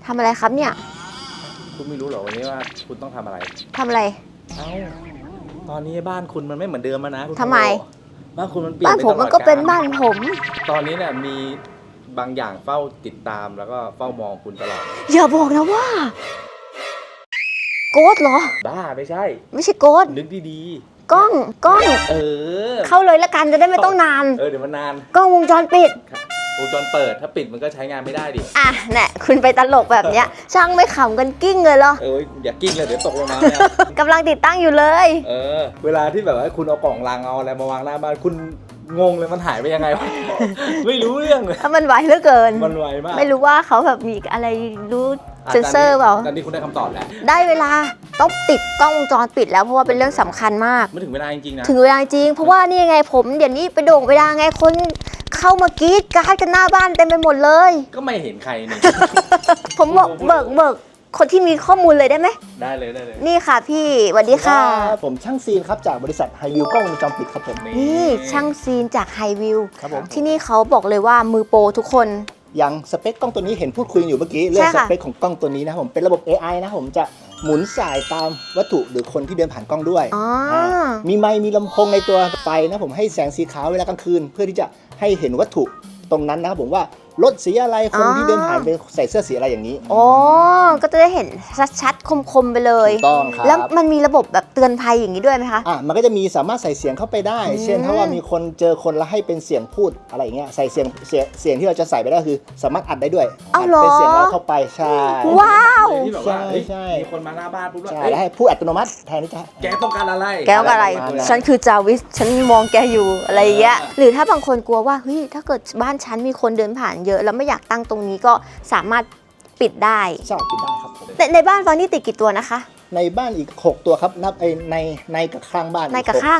ทำอะไรครับเนี่ยคุณไม่รู้เหรอวันนี้ว่าคุณต้องทำอะไรทำอะไรเอ้าตอนนี้บ้านคุณมันไม่เหมือนเดิมแล้วนะคุณทำไมบ้านคุณมันเปลี่ยนบ้านผมมันก็เป็นบ้านผมตอนนี้เนี่ยมีบางอย่างเฝ้าติดตามแล้วก็เฝ้ามองคุณตลอดอย่าบอกนะว่าโกดเหรอบ้าไม่ใช่โกดนึกดีๆกล้องเข้าเลยละกันจะได้ไม่ต้องนานเดี๋ยวมันนานกล้องวงจรปิดวงจรเปิดถ้าปิดมันก็ใช้งานไม่ได้ดิอ่ะเนี่ยคุณไปตลกแบบเนี้ยช่างไม่ขำกันกิ้งเลยเหรออย่ากิ้งเลยเดี๋ยวตกลงมาเนี่ยกำลังติดตั้งอยู่เลยเวลาที่แบบว่าคุณเอากล่องลังเอาอะไรมาวางหน้าบ้านคุณงงเลยมันหายไปยังไง ไม่รู้เรื่องเลยมันไวเหลือเกินมันไวมากไม่รู้ว่าเขาแบบมีอะไรรู้เซนเซอร์เปล่าตอนนี้คุณได้คำตอบแล้วได้เวลาต้องติดกล้องวงจรปิดแล้วเพราะว่าเป็นเรื่องสำคัญมากไม่ถึงเวลาจริงๆนะถึงเวลาจริงเพราะว่านี่ไงผมเดี๋ยวนี้ไปโด่งเวลาไงคนเข้ามากรี๊ดกราดกันหน้าบ้านเต็มไปหมดเลยก็ไม่เห็นใครนี่ผมบอกเบิกคนที่มีข้อมูลเลยได้ไหมได้เลยนี่ค่ะพี่สวัสดีค่ะผมช่างซีนครับจากบริษัทไฮวิวกล้องวงจรปิดครับผมนี่ช่างซีนจากไฮวิวครับผมที่นี่เขาบอกเลยว่ามือโปรทุกคนอย่างสเปคกล้องตัวนี้เห็นพูดคุยอยู่เมื่อกี้เรื่องสเปคของกล้องตัวนี้นะครับผมเป็นระบบ AI นะผมจะหมุนสายตามวัตถุหรือคนที่เดินผ่านกล้องด้วยมีไมค์มีลำโพงในตัวไฟนะผมให้แสงสีขาวเวลากลางคืนเพื่อที่จะให้เห็นวัตถุตรงนั้นนะครับผมว่ารถสีอะไรคนที่เดินผ่านไปใส่เสื้อสีอะไรอย่างนี้อ๋อก็จะได้เห็นชัดๆคมๆไปเลยถูกต้องครับแล้วมันมีระบบแบบเตือนภัยอย่างนี้ด้วยไหมคะมันก็จะมีสามารถใส่เสียงเข้าไปได้เช่นถ้าว่ามีคนเจอคนแล้วให้เป็นเสียงพูดอะไรอย่างเงี้ยใส่เสียงที่เราจะใส่ไปได้คือสามารถอัดได้ด้วยเป็นเสียงเราเข้าไปใช่ว้าวที่แบบว่ามีคนมาหน้าบ้านปุ๊บแล้วให้พูดอัตโนมัติแทนที่จะแกต้องการอะไรฉันคือจาวิสฉันมองแกอยู่อะไรอย่างเงี้ยหรือถ้าบางคนกลัวว่าเฮ้ยถ้าเกิดบ้านฉันมีคนเดินผ่านเยอะแล้วไม่อยากตั้งตรงนี้ก็สามารถปิดได้ใช่ปิดได้ครับในบ้านฟังนี่ติดกี่ตัวนะคะในบ้านอีก6ตัวครับนับในกับข้างบ้านในกับข้าง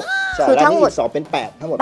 6คือทั้งหมด 2เป็น8ทั้งหมด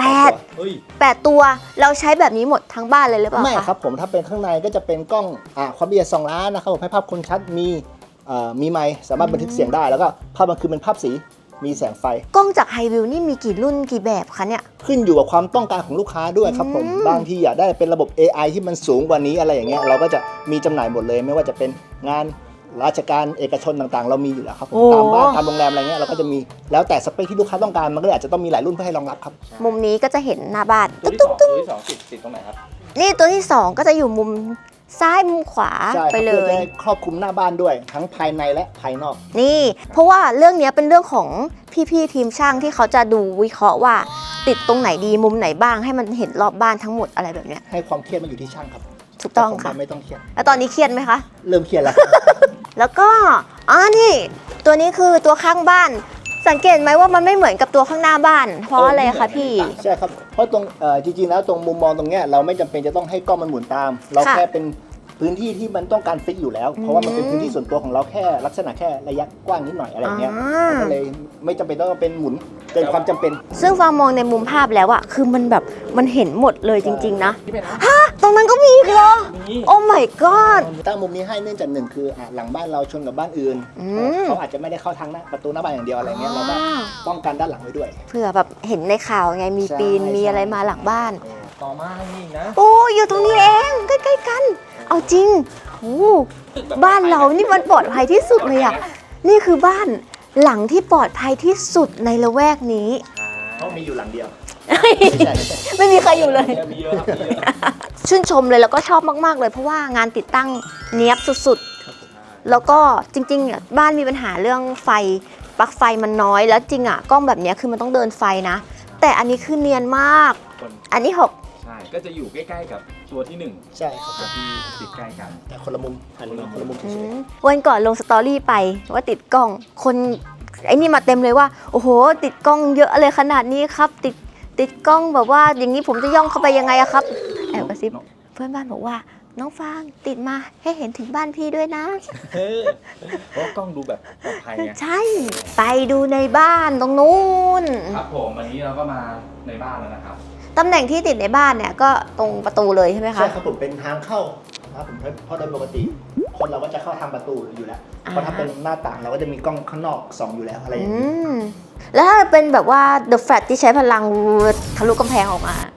8ตัวเราใช้แบบนี้หมดทั้งบ้านเลยหรือเปล่าไม่ครับผมถ้าเป็นข้างในก็จะเป็นกล้องความละเอียด2 ล้านนะครับผมให้ภาพคมชัดมีไมค์สามารถบันทึกเสียงได้แล้วก็ภาพมันคือเป็นภาพสีมีแสงไฟกล้องจากไฮวิวนี่มีกี่รุ่นกี่แบบคะเนี่ยขึ้นอยู่กับความต้องการของลูกค้าด้วยครับผมบางทีอยากได้เป็นระบบ AI ที่มันสูงกว่านี้อะไรอย่างเงี้ยเราก็จะมีจำหน่ายหมดเลยไม่ว่าจะเป็นงานราชการเอกชนต่างๆเรามีอยู่แล้วครับตามบ้านตามโรงแรมอะไรเงี้ยเราก็จะมีแล้วแต่สเปคที่ลูกค้าต้องการมันก็เลยอาจจะต้องมีหลายรุ่นเพื่อให้รองรับครับมุมนี้ก็จะเห็นหน้าบ้านตัวที่2ติดตรงไหนครับนี่ตัวที่2ก็จะอยู่มุมซ้ายมุมขวาไปเลยครอบคลุมหน้าบ้านด้วยทั้งภายในและภายนอกนี่เพราะว่าเรื่องนี้เป็นเรื่องของพี่ๆทีมช่างที่เขาจะดูวิเคราะห์ว่าติดตรงไหนดีมุมไหนบ้างให้มันเห็นรอบบ้านทั้งหมดอะไรแบบเนี้ยให้ความเครียดมันอยู่ที่ช่างครับถูกต้องค่ะไม่ต้องเครียดแล้วตอนนี้เครียดไหมคะเริ่มเครียดแล้วแล้วก็นี่ตัวนี้คือตัวข้างบ้านสังเกตไหมว่ามันไม่เหมือนกับตัวข้างหน้าบ้านเพราะอะไรคะพี่ใช่ครับเพราะตรงจริงๆแล้วตรงมุมมองตรงเนี้ยเราไม่จำเป็นจะต้องให้กล้องมันหมุนตามเราแค่เป็นพื้นที่ที่มันต้องการฟิกอยู่แล้วเพราะว่ามันเป็นพื้นที่ส่วนตัวของเราแค่ลักษณะแค่ระยะกว้างนิดหน่อยอะไรเงี้ยก็เลยไม่จำเป็นต้องเป็นหมุนเกินความจำเป็นซึ่งฟังมองในมุมภาพแล้วอะคือมันแบบมันเห็นหมดเลยจริงๆนะฮะตรงนั้นก็มีอีกเหรอโอ้ my god ตั้งมุมนี้ให้เนื่องจาก1คือหลังบ้านเราชนกับบ้านอื่นเขาอาจจะไม่ได้เข้าทางประตูหน้าบ้านอย่างเดียวอะไรเงี้ยเราก็ป้องกันด้านหลังไว้ด้วยเผื่อแบบเห็นในข่าวไงมีปีนมีอะไรมาหลังบ้านต่อมานี่นะโอ้อยู่ตรงนี้เองใกล้ๆกันเอาจริงโอ้บ้านเรานี่มันปลอดภัยที่สุดเลยอ่ะนี่คือบ้านหลังที่ปลอดภัยที่สุดในละแวกนี้เพราะมีอยู่หลังเดียวไม่มีใครอยู่เลยชื่นชมเลยแล้วก็ชอบมากๆเลยเพราะว่างานติดตั้งเนียบสุดๆแล้วก็จริงๆบ้านมีปัญหาเรื่องไฟปลั๊กไฟมันน้อยแล้วจริงอ่ะกล้องแบบนี้คือมันต้องเดินไฟนะแต่อันนี้คือเนียนมากอันนี้6 ใช่ก็จะอยู่ใกล้ๆกับตัวที่1 ใช่ครับที่ติดใกล้กันแต่คนละมุมคนละมุมวันก่อนลงสตอรี่ไปว่าติดกล้องคนไอ้นี่มาเต็มเลยว่าโอ้โหติดกล้องเยอะเลยขนาดนี้ครับติดกล้องแบบว่าอย่างนี้ผมจะย่องเข้าไปยังไงอะครับแอบกระซิบเพื่อนบ้านบอกว่าน้องฟางติดมาให้เห็นถึงบ้านพี่ด้วยนะเพราะกล้องดูแบบปลอดภัยไงใช่ไปดูในบ้านตรงนู้นครับผมวันนี้เราก็มาในบ้านแล้วนะครับตำแหน่งที่ติดในบ้านเนี่ยก็ตรงประตูเลยใช่ไหมคะใช่ครับผมเป็นทางเข้าครับผมเพราะโดยปกติคนเราก็จะเข้าทางประตูอยู่แล้วเพราะถ้าเป็นหน้าต่างเราก็จะมีกล้องข้างนอกส่องอยู่แล้วอะไรอย่างนี้แล้วถ้าเป็นแบบว่า The Flash ที่ใช้พลังทะลุกำแพงออกมา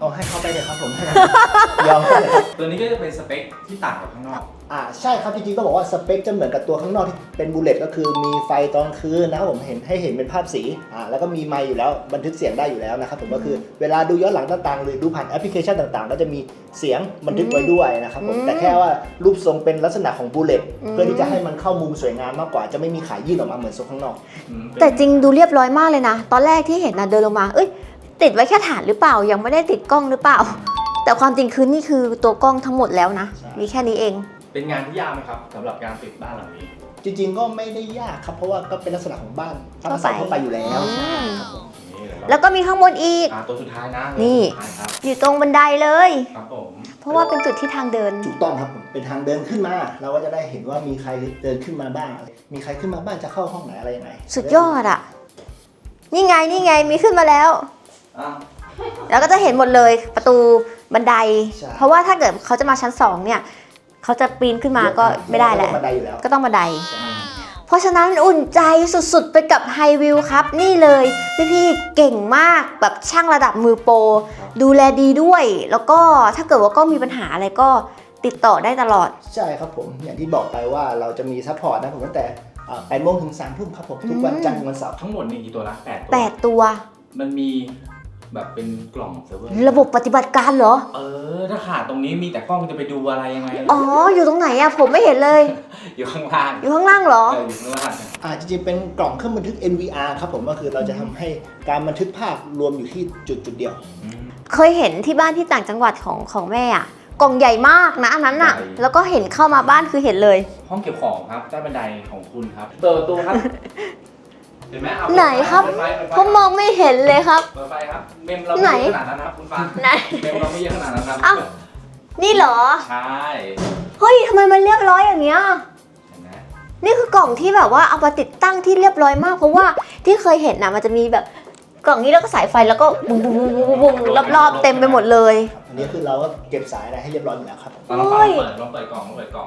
เอาให้เขาไปเลยครับผม ยอมเลยครับตัวนี้ก็จะเป็นสเปคที่ต่างกับข้างนอกใช่ครับจริงๆก็บอกว่าสเปคจะเหมือนกับตัวข้างนอกที่เป็นบูเลตก็คือมีไฟตอนคืนนะครับผมให้เห็นเป็นภาพสีแล้วก็มีไมค์อยู่แล้วบันทึกเสียงได้อยู่แล้วนะครับผมก็คือเวลาดูย้อนหลังต่างๆหรือดูผ่านแอปพลิเคชันต่างๆก็จะมีเสียงบันทึกไว้ด้วยนะครับผมแต่แค่ว่ารูปทรงเป็นลักษณะของบูเลตเพื่อที่จะให้มันเข้ามุมสวยงามมากกว่าจะไม่มีขายยื่นออกมาเหมือนโซนข้างนอกแต่จริงดูเรียบร้อยมากเลยนะตอนแรกที่เห็นนะเดินลงมาติดไว้แค่ฐานหรือเปล่ายังไม่ได้ติดกล้องหรือเปล่าแต่ความจริงคือนี่คือตัวกล้องทั้งหมดแล้วนะมีแค่นี้เองเป็นงานที่ยากไหมครับสำหรับการติดบ้านหลังนี้จริงๆก็ไม่ได้ยากครับเพราะว่าก็เป็นลักษณะของบ้านตามภาษาทั่วไปอยู่แล้วนี่เลยครับแล้วก็มีข้างบนอีกตัวสุดท้ายนะนี่ตัวสุดท้ายครับอยู่ตรงบันไดเลยครับผมเพราะว่าเป็นจุดที่ทางเดินถูกต้องครับผมเป็นทางเดินขึ้นมาเราก็จะได้เห็นว่ามีใครเดินขึ้นมาบ้างมีใครขึ้นมาบ้างจะเข้าห้องไหนอะไรยังไงสุดยอดอ่ะนี่ไงมีขึ้นมาแล้วอ้าวแล้วก็จะเห็นหมดเลยประตูบันได เพราะว่าถ้าเกิดเขาจะมาชั้น2เนี่ยเขาจะปีนขึ้นมาก็ไม่ได้แล้วบันไดอยู่แล้วก็ต้องบันได เพราะฉะนั้นอุ่นใจสุดๆไปกับไฮวิวครับนี่เลยพี่ๆเก่งมากแบบช่างระดับมือโปรดูแลดีด้วย แล้วก็ถ้าเกิดว่าก็มีปัญหาอะไรก็ติดต่อได้ตลอดใช่ครับผมอย่างที่บอกไปว่าเราจะมีซัพพอร์ตนะผมตั้งแต่8 โมงถึง 3 ทุ่มครับผมทุกวันจันทร์ถึงวันเสาร์ทั้งหมดนี่กี่ตัวละ8 ตัว 8 ตัวมันมีแบบเป็นกล่องเซิร์ฟเวอร์ระบบปฏิบัติการเหรอถ้าขาดตรงนี้มีแต่กล้องจะไปดูอะไรยังไงอ๋ออยู่ตรงไหนอะผมไม่เห็นเลยอยู่ข้างล่างอยู่ข้างล่างเหรออยู่ข้างล่างจริงๆเป็นกล่องเครื่องบันทึก NVR ครับผมก็คือเราจะทำให้การบันทึกภาพรวมอยู่ที่จุดเดียวเคยเห็นที่บ้านที่ต่างจังหวัดของแม่อะกล่องใหญ่มากนะอันนั้นอะแล้วก็เห็นเข้ามาบ้านคือเห็นเลยห้องเก็บของครับใต้บันไดของคุณครับเปิดประตูครับเห็นไหมเอาไหนครับเปิดไฟผมมองไม่เห็นเลยครับเปิดไฟครับเมมเราไม่เยอะขนาดนั้นนะครับคุณฟ้าไหนเมมเราไม่เยอะขนาดนั้นครับอ้าว นี่เหรอใช่เฮ้ยทำไมมันเรียบร้อยอย่างเงี้ยเห็นไหมนี่คือกล่องที่แบบว่าเอามาติดตั้งที่เรียบร้อยมากเพราะว่าที่เคยเห็นนะมันจะมีแบบกล่องนี้แล้วก็สายไฟแล้วก็บุ้งบุ้งบุ้งบุ้งบุ้งรอบๆเต็มไปหมดเลยอันนี้คือเราก็เก็บสายอะไรให้เรียบร้อยอยู่แล้วครับลองเปิดกล่องลองเปิดกล่อง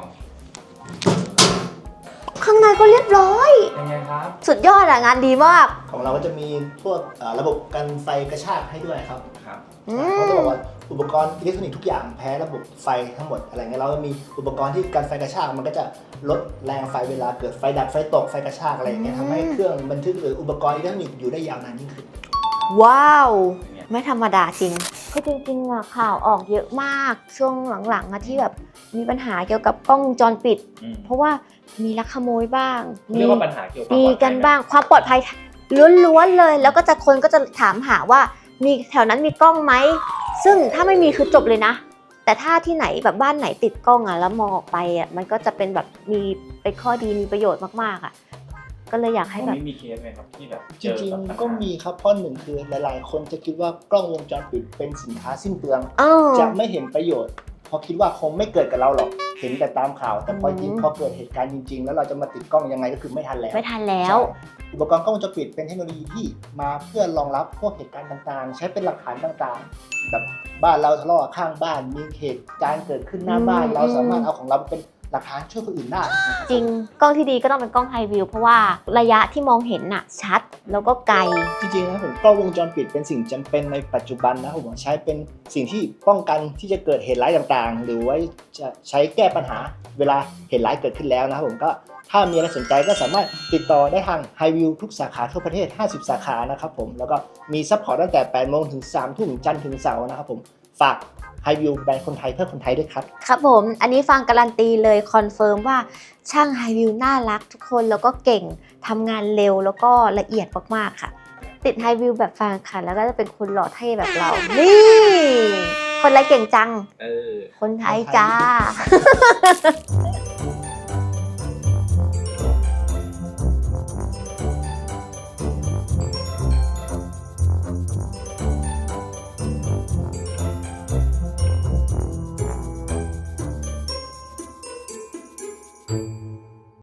ข้างในก็เรียบร้อยยังไงครับสุดยอดอะงานดีมากของเราก็จะมีพวกระบบกันไฟกระชากให้ด้วยครับครับเขาจะบอกว่าอุปกรณ์อิเล็กทรอนิกส์ทุกอย่างแพ้ระบบไฟทั้งหมดอะไรเงี้ยเราก็มีอุปกรณ์ที่กันไฟกระชากมันก็จะลดแรงไฟเวลาเกิดไฟดับไฟตกไฟกระชากอะไรอย่างเงี้ยทำให้เครื่องบันทึกหรืออุปกรณ์อิเล็กทรอนิกส์อยู่ได้ยาวนานยิ่งขึ้นว้าว ไม่ธรรมดาจริงก็จริงๆอะข่าวออกเยอะมากช่วงหลังๆอะที่แบบมีปัญหาเกี่ยวกับกล้องวงจรปิด เพราะว่ามีลักขโมยบ้างเรียกว่าปัญหาเกี่ยวกับมีกันบ้างความปลอดภัยล้วนๆเลย แล้วก็จะคนก็จะถามหาว่ามีแถวนั้นมีกล้องไหมซึ่งถ้าไม่มีคือจบเลยนะ แต่ถ้าที่ไหนแบบบ้านไหนติดกล้องอะแล้วมองออกไปอะมันก็จะเป็นแบบมีเป็นข้อดีมีประโยชน์มากๆอะก็เลยอยากให้แบบมีเคสไหมครับที่แบบจริงๆก็มีครับเพราะหนึ่งคือหลายๆ คนจะคิดว่ากล้องวงจรปิดเป็นสินค้าสิ้นเปลือง จะไม่เห็นประโยชน์เพราะคิดว่าคงไม่เกิดกับเราหรอกเห็นแต่ตามข่าวแต่พอจริงพอเกิดเหตุการณ์จริงๆแล้วเราจะมาติดกล้องยังไงก็คือไม่ทันแล้วไม่ทันแล้วใช่อุปกรณ์กล้องวงจรปิดเป็นเทคโนโลยีที่มาเพื่อรองรับพวกเหตุการณ์ต่างๆ ใช้เป็นหลักฐานต่างๆแบบบ้านเราทะเลาะกับข้างบ้านมีเหตุการณ์เกิดขึ้นหน้าบ้านเราสามารถเอาของเราเป็นหลักฐานช่วยคนอื่นได้นะครับจริงกล้องที่ดีก็ต้องเป็นกล้องไฮวิวเพราะว่าระยะที่มองเห็นน่ะชัดแล้วก็ไกลจริงๆนะผมกล้องวงจรปิดเป็นสิ่งจำเป็นในปัจจุบันนะผมใช้เป็นสิ่งที่ป้องกันที่จะเกิดเหตุร้ายต่างๆ หรือว่าจะใช้แก้ปัญหาเวลาเหตุร้ายเกิดขึ้นแล้วนะครับผมก็ถ้ามีอะไรสนใจก็สามารถติดต่อได้ทาง Highview ทุกสาขาทั่วประเทศ50 สาขานะครับผมแล้วก็มีซัพพอร์ตตั้งแต่ 8 โมงถึง 3 ทุ่มจันทร์ถึงเสาร์นะครับผมฝากHighview แบรนด์คนไทยเพื่อคนไทยด้วยครับครับผมอันนี้ฟังการันตีเลยคอนเฟิร์มว่าช่างไฮวิวน่ารักทุกคนแล้วก็เก่งทำงานเร็วแล้วก็ละเอียดมากๆค่ะ ติดไฮวิวแบบฟังค่ะแล้วก็จะเป็นคนหล่อเท่แบบเรา นี่ คนไรเก่งจัง คนไทยจ้า